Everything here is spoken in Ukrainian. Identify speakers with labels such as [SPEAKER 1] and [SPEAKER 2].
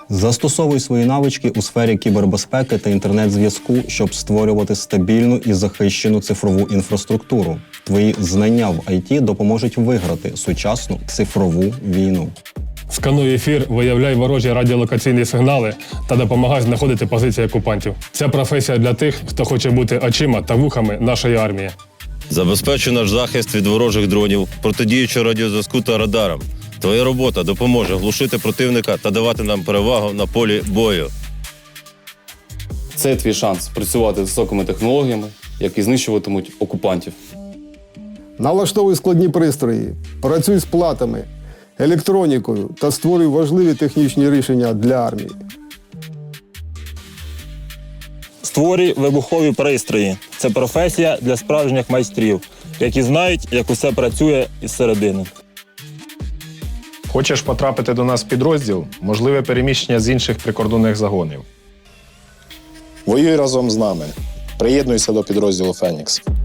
[SPEAKER 1] Застосовуй свої навички у сфері кібербезпеки та інтернет-зв'язку, щоб створювати стабільну і захищену цифрову інфраструктуру. Твої знання в IT допоможуть виграти сучасну цифрову війну.
[SPEAKER 2] Скануй ефір, виявляй ворожі радіолокаційні сигнали та допомагай знаходити позиції окупантів. Ця професія для тих, хто хоче бути очима та вухами нашої армії.
[SPEAKER 3] Забезпечуй наш захист від ворожих дронів, протидіючи радіозв'язку та радарам. Твоя робота допоможе глушити противника та давати нам перевагу на полі бою.
[SPEAKER 4] Це твій шанс працювати з високими технологіями, які знищуватимуть окупантів.
[SPEAKER 5] Налаштовуй складні пристрої, працюй з платами, електронікою та створюй важливі технічні рішення для армії.
[SPEAKER 6] Створюй вибухові пристрої. Це професія для справжніх майстрів, які знають, як усе працює із середини.
[SPEAKER 7] Хочеш потрапити до нас в підрозділ? Можливе переміщення з інших прикордонних загонів.
[SPEAKER 8] Воюй разом з нами. Приєднуйся до підрозділу «Фенікс».